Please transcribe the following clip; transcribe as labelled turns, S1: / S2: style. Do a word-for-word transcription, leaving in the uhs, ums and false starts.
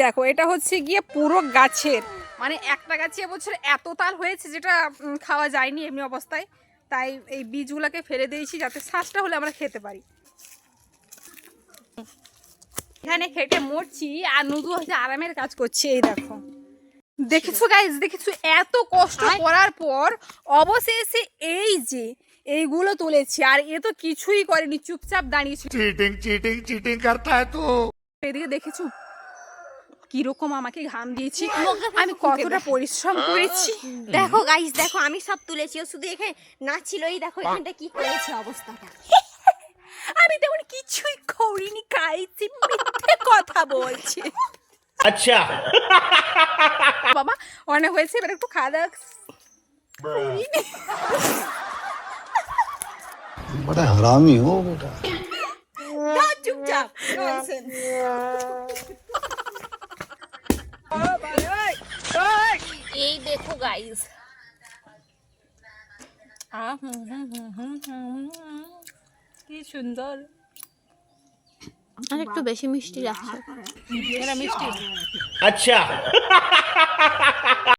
S1: দেখো এটা হচ্ছে গিয়ে পুরো গাছের, মানে একটা গাছে এবছর এত তাল হয়েছে যেটা খাওয়া যায়নি এমনি অবস্থায়, তাই এই বীজগুলোকে ফেলে দিয়েছি যাতে শ্বাসটা হলে আমরা খেতে পারি। এখানে খেটে মরছি আর নুদু হচ্ছে আরামের কাজ করছে। এই দেখো, দেখেছো গাইস, দেখেছো এত কষ্ট করার পর অবশেষে এই যে এইগুলো তুলেছি, আর এ তো কিছুই করেনি, চুপচাপ দাঁড়িয়েছিল।
S2: চিটিং চিটিং চিটিং করতা হ্যায় তু।
S1: এদিকে দেখেছো কিরকম আমাকে ঘাম দিয়েছি, আমি কতটা পরিশ্রম করেছি।
S3: দেখো গাইস, দেখো আমি সব তুলেছি, ও শুধু এখানে নাচছিল। এই দেখো এখানটা কি করেছে অবস্থাটা।
S1: আমি তেমন কিছুই করিনি, খাইছি, মিথ্যে কথা বলছে।
S2: আচ্ছা
S1: বাবা অনেক হয়েছে, এবার একটু খাওয়া দাওয়া।
S4: बड़ा हरामी हो बेटा।
S3: চুপচাপ ননসেন্স। এই দেখো গাইস,
S1: কি সুন্দর,
S3: আর একটু বেশি মিষ্টি লাগছে।
S1: এটা মিষ্টি।
S2: আচ্ছা